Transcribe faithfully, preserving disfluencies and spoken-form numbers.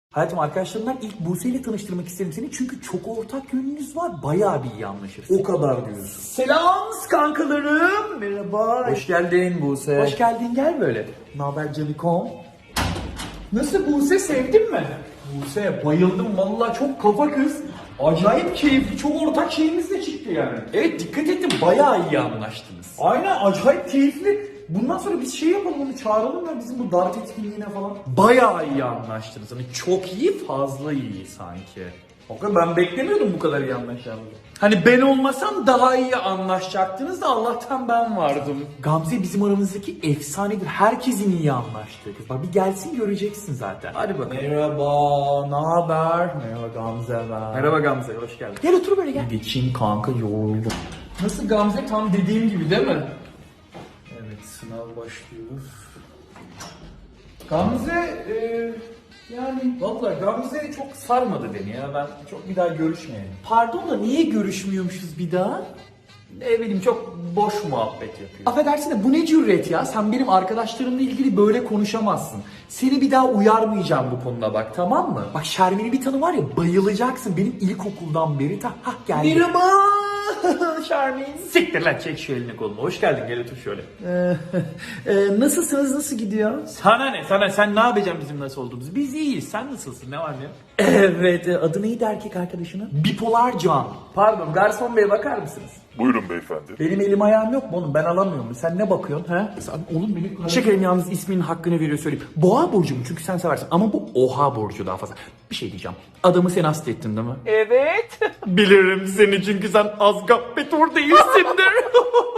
Hayatım, arkadaşlarımdan ilk Buse ile tanıştırmak isterim seni çünkü çok ortak yönünüz var. Bayağı bir iyi anlaşırsın. O kadar diyorsun. Selam kankalarım. Merhaba. Hoş geldin Buse. Hoş geldin, gel böyle. Ne haber Canikom? Nasıl Buse, sevdin mi? Buse bayıldım vallahi, çok kafa kız. Acayip keyifli, çok ortak şeyimiz de çıktı yani. Evet, dikkat ettim, bayağı iyi anlaştınız. Aynen, acayip keyifli. Bundan sonra biz şey yapalım, onu çağıralım ya bizim bu dart etkinliğine falan. Bayağı iyi anlaştınız. Hani çok iyi, fazla iyi sanki. Bakın ben beklemiyordum bu kadar iyi anlaşacağımızı. Hani ben olmasam daha iyi anlaşacaktınız da Allah'tan ben vardım. Gamze bizim aramızdaki efsanedir. Herkesin iyi anlaştığı kız. Bak bir gelsin göreceksin zaten. Hadi bakalım. Merhaba, ne haber? Merhaba Gamze ben. Merhaba Gamze, hoş geldin. Gel otur böyle, gel. Geçeyim kanka, yoruldum. Nasıl Gamze, tam dediğim gibi değil mi? Evet, sınav başlıyor. Gamze, e, yani vallahi Gamze çok sarmadı beni ya. Ben çok bir daha görüşmeyelim. Pardon da niye görüşmüyormuşuz bir daha? Ne bileyim, çok boş muhabbet yapıyor. Affedersin de bu ne cüret ya? Sen benim arkadaşlarımla ilgili böyle konuşamazsın. Seni bir daha uyarmayacağım bu konuda bak, tamam mı? Bak Şermin'i bir tanı var ya, bayılacaksın. Benim ilkokuldan beri ta hah geldi. Merhaba Şermin. Siktir lan, çek şu elini kolunu. Hoş geldin, gel otur şöyle. Ee, e, nasılsınız, nasıl gidiyor? Sana ne? Sana sen ne yapacaksın bizim nasıl olduğumuzu? Biz iyiyiz. Sen nasılsın? Ne var ne yok? Evet, e, adı neydi erkek arkadaşının? Bipolar Can. Pardon, garson bey bakar mısınız? Buyurun beyefendi. Benim elim ayağım yok mu oğlum, ben alamıyorum. Sen ne bakıyorsun ha? Sen, oğlum benim... Şekerim, yalnız isminin hakkını veriyor söyleyeyim. Boğa burcu mu? Çünkü sen seversin. Ama bu oha burcu daha fazla. Bir şey diyeceğim. Adamı sen hasta ettin değil mi? Evet. Bilirim seni çünkü sen Azgap Petur değilsindir.